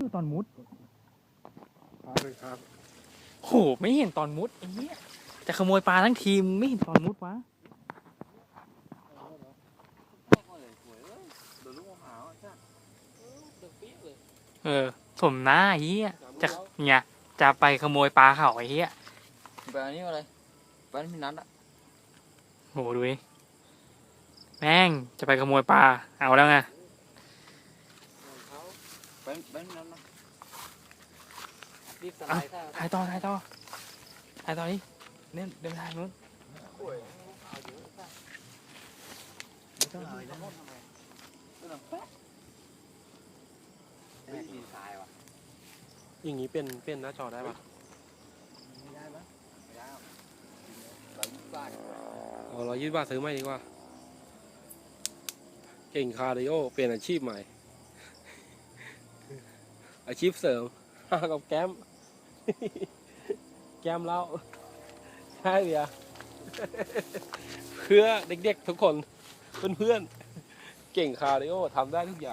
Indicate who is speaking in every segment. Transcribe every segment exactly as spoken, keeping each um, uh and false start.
Speaker 1: ตอนมุด
Speaker 2: ครับเลยครับ
Speaker 1: โหไม่เห็นตอนมุดไอ้เหี้ยจะขโมยปลาทั้งทีมไม่เห็นตอนมุดวะเออสมหน้าไอ้เหี้ยจะเนี่ยจะไปขโมยปลาเขาไอ้เหี้ย
Speaker 3: ไปอันนี้อะไรไปอันนี้นัดอะ
Speaker 1: โหดูดิแม่งจะไปขโมยปลาเอาแล้วไง
Speaker 3: ไปไปอันนี้นัดนะรีบสไลด์ถ้า
Speaker 1: ถ่ายต่อถ่ายต่อถ่ายต่อดิเนี่ยเดินไปทางนู้น
Speaker 3: ไม่ต้องเอาแล้วแม่ดินทรายว่ะ
Speaker 2: อย่างนี้เป็นเป็นหน้าจอได้ปะ
Speaker 3: ไม่ได้ปะไม่ได้เรายี่สิบบาท
Speaker 2: เอาร้อยยี่สิบบาทซื้อไม่ดีกว่าเก่งคาร์ดิโอเปลี่ยนอาชีพใหม่ อาชีพเสริม กับแก้ม แก้มเหล้าใช่เดีย เพื่อเด็กๆทุกคนเพื่อนๆเก่งคาร์ดิโอทำได้ทุกอย่าง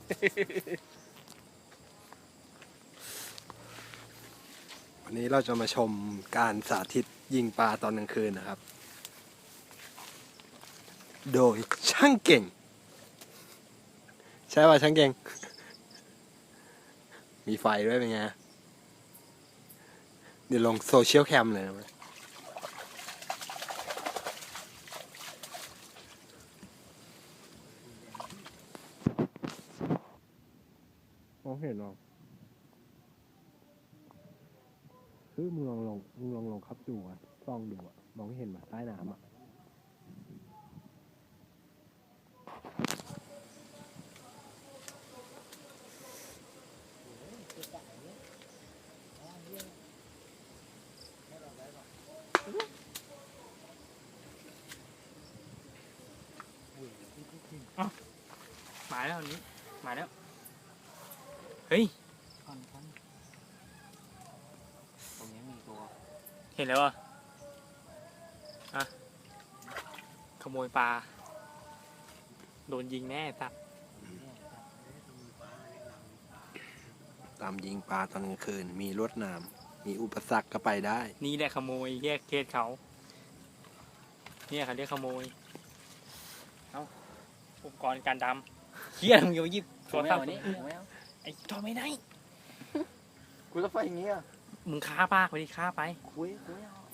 Speaker 2: วันนี้เราจะมาชมการสาธิตยิงปลาตอนกลางคืนนะครับ โดยช่างเก่ง ใช่ป่ะช่างเก่ง มีไฟด้วยเป็นไง เดี๋ยวลงโซเชียลแคมเลยนะมองเห็นหรอคือมึงลองลองมึงลองลองขับดูอ่ะส่องดูอ่ะมองเห็นมาใต้น้ำอ่ะ
Speaker 1: มาแล้วอันนี้มาแล้วเฮ้ย
Speaker 3: ตรงนี้มีตัว
Speaker 1: เห็นแล้วอ่ะอะขโมยปลาโดนยิงแน่สัตว์
Speaker 2: ตามยิงปลาตอนกลางคืนมีลวดหนามมีอุปสรรคก็ไปได้
Speaker 1: นี่แหละขโมยแยกเคสเขาเนี่ยเขาเรียกขโมยเอ้าอุปกรณ์การดำเฮียมึงอย่าไปหยิบโทร
Speaker 3: ไม่
Speaker 1: ศัพ
Speaker 3: เอา
Speaker 1: ท์
Speaker 3: อันนี้ไม่เอา
Speaker 1: ไอ้ทอไม่ได้
Speaker 3: กูจะไปอย่างงี้อ่ะ
Speaker 1: มึงฆ่าปากไปดิฆ่าไป
Speaker 3: คุยกูไม่เอา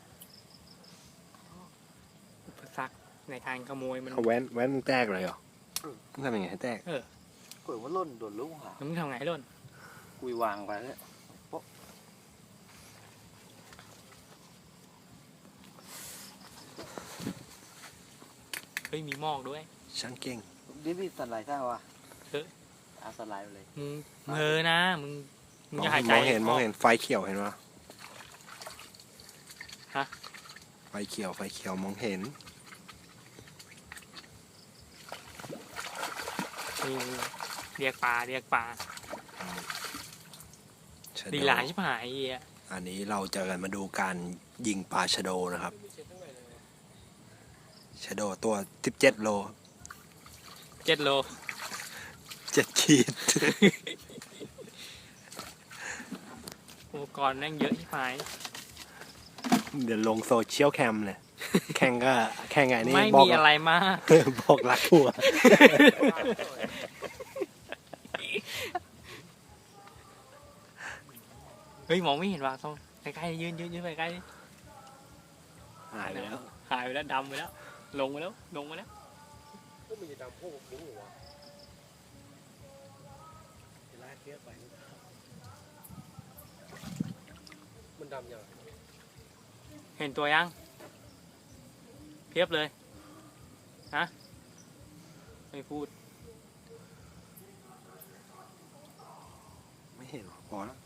Speaker 1: อุปสรรคในการขโมยมัน
Speaker 2: เขาแว้นแว้นแตกเลยเหรอมึงทำยังไงให้แตก
Speaker 3: คุยว่าล่นโดนลูกหา
Speaker 1: แล้วมึงทำไงให้ล่น
Speaker 3: คุยวางไปแล้ว
Speaker 1: เฮ้ยมีหมอกด้วย
Speaker 2: ช่างเก่ง
Speaker 3: รีบรีบสไลด์ถ้าว่ะ
Speaker 1: เออ
Speaker 3: เอาสไลด์ไปเลย
Speaker 1: มึงเออนะมึงมึงอย่าหายใจ
Speaker 2: มองเห็นมองเห็นไฟเขียวเห็นปะ
Speaker 1: ฮะ
Speaker 2: ไฟเขียวไฟเขียวมองเห็น
Speaker 1: นี่เรียกปลาเรียกปลา
Speaker 2: ชะโด
Speaker 1: ดีหลายชิบหายไอ้เหี้ย
Speaker 2: อันนี้เราจะกันมาดูการยิงปลาชะโดนะครับชะโดตัวสิบเจ็ดโล
Speaker 1: เจ็ดโล
Speaker 2: เจ็ดขีด
Speaker 1: อุปกรณ์แม่งเยอะชิบหาย
Speaker 2: เดี๋ยวลงโซเชียลแคมเลย แข่งก็แข่งไงนี่
Speaker 1: ไม่
Speaker 2: บอ
Speaker 1: มี
Speaker 2: ก
Speaker 1: อะไรมาก
Speaker 2: บอกรักหัว
Speaker 1: เฮ้ยมองไม่เห็นว่ะต้องใกล้ๆยืนยืนยืนไปใกล้ดิ
Speaker 2: หายไปแล้ว
Speaker 1: หายไปแล้วดำไปแล้ว ลงไปแล้วลงไปแล้ว
Speaker 2: ก็มันจะดำพวกบุ้งหัวจะลากเทียบไปมันดำยัง
Speaker 1: เห็นตัวยังเพียบเลยฮะไม่พูด
Speaker 2: ไม่เห็นหรอพอแล้ว